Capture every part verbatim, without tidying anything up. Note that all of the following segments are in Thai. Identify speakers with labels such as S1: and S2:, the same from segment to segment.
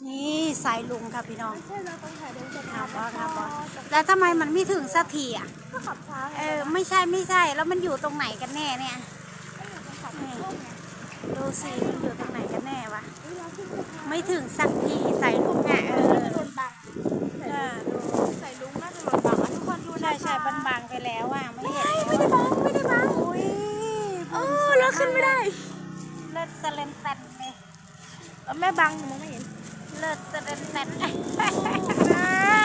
S1: นี่สายลุงค่ะพี่น้อง
S2: ไม่ใช่เราต้องถ่ายเดินสะ
S1: ค
S2: พา
S1: รั
S2: น
S1: บบอสครับบอส
S2: นะ
S1: แล้วทำไมมันไม่ถึงสักทีอ่ะ
S2: ก็ขับช้าไง
S1: เออไม่ใช่ไม่ใช่แล้วมันอยู่ตรงไหนกันแน่เนี่ย
S2: ก็อยู่ตรงขับโค้งไง
S1: ดูสิมันอยู่ตรงไหนกันแน่วะ
S2: เวลาขึ้นสะพาน
S1: ไม่ถึงสักทีสายลุงอ่ะเออ
S2: น่าจะโดนบัง
S1: เออดู
S2: ใส่ลุงน่าจะโดนบังอ่ะทุกคนดูนะ
S1: ใช่ใช่บันบางไปแล้วอ่ะไม่เห็น
S2: ไม่ได้บังไม่ได้บัง
S1: อุ้ย
S2: เออแล้วขึ้นไม่ได้
S1: เลิศเซเลนเต็นเลย
S2: เออแม่บังมองไม่เห็น
S1: เลิศเซเลนเต็น
S2: อ่า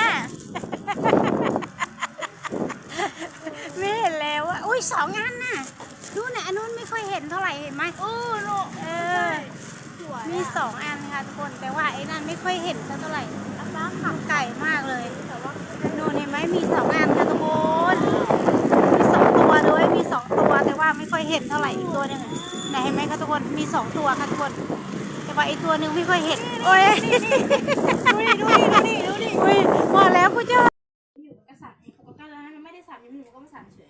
S1: ไม่เห็นแล้วอ่ะอุ้ยสองอันน่ะดูนะอันนู้นไม่ค่อยเห็นเท่าไหร่เห็นไหม
S2: เออโล
S1: เออ
S2: สวย
S1: มีสองอันค่ะทุกคนแต่ว่าไอ้นั่นไม่ค่อยเห็นสักเท่าไหร่น้ำขับไก่มากเลย
S2: แต่ว่า
S1: นู่นเห็นไหมมีสองอันค่ะทุกคนมีสองตัวด้วยมีสองตัวแต่ว่าไม่ค่อยเห็นเท่าไหร่อีกตัวหนึงไหนเห็นไหมคะทุกคนมีสองตัวค่ะทุกคนแต่ว่าไอ้ตัวหนึ่งไม่ค่อยเห็นโอ้ย
S2: ดูดิดูดิดูดิดูดิ
S1: อุ้ยพอแล้วกูเจอ
S2: อยู่กับกษัตริย์เองเขาก็แล้วนะไม่ได้สั่นอยู่ก็ไม่สั่นเฉย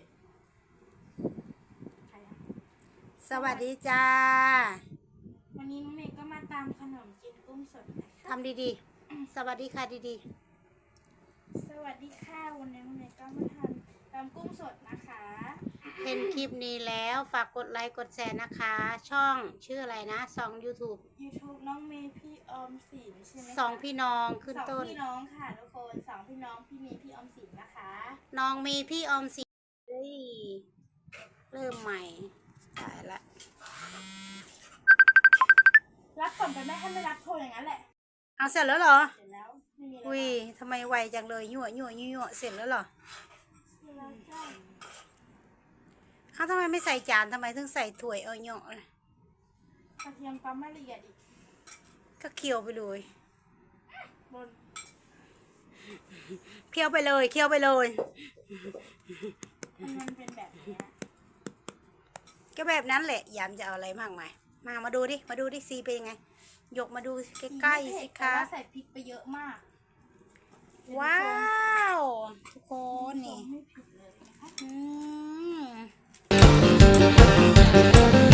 S2: ใครอะ
S1: สวัสดีจ้า
S2: วันนี้น้องเมย์ก็มาตามขนมจีนกุ้งสดนะคะ
S1: ทำดีๆสวัสดีค่ะดี
S2: สวัสดีค่ะวันนี้น้องเมย์ก็มาทำตำกุ้งสดนะคะ
S1: ๆเห็นคลิปนี้แล้วฝากกดไลค์กดแชร์นะคะ ช่องชื่ออะไรนะสอง YouTube
S2: YouTube น้องเมย์พี่ออมสินใช่ไหมคะ
S1: สองพี่น้องขึ้น
S2: สอง
S1: ต้น
S2: พี่น้องค่ะทุกคนสองพี่น้องพี่เมย์พี่ออมสินนะคะ
S1: น้องมีพี่ออมสินเฮ้ยเริ่มใหม่ตายละ
S2: รับก่อนไปแม่ให้ไม่รับโทรอย่างนั้นแหละ
S1: เอาเสร็จแล้วเหรอ
S2: เสร็จแล้วไม่มีอะไร
S1: อุ้ยทำไมไวจังเลยยั่วยั่วยั่วยั่วเสร็จแล้วเหรอ
S2: เสร็จแล้วจ้า
S1: เขาทำไมไม่ใส่จานทำไมถึงใส่ถ้วยเอาเนาะ
S2: กระเทียมปั๊มไม่ละเอียดอีก
S1: ก็เคี่ยวไปเลย
S2: บน
S1: เคี่ยวไปเลยเคี่ยวไปเลย
S2: มันมันเป็นแบบนี้
S1: ก็แบบนั้นแหละยามจะเอาอะไรมากมายมามาดูดิมาดูดิซีเป็นยังไงยกมาดูใกล้ๆสิคะ
S2: ใส่พริกไปเยอะมาก
S1: ว้าวทุกคนนี่
S2: ไม่ผิดเลยนะคะ
S1: อืม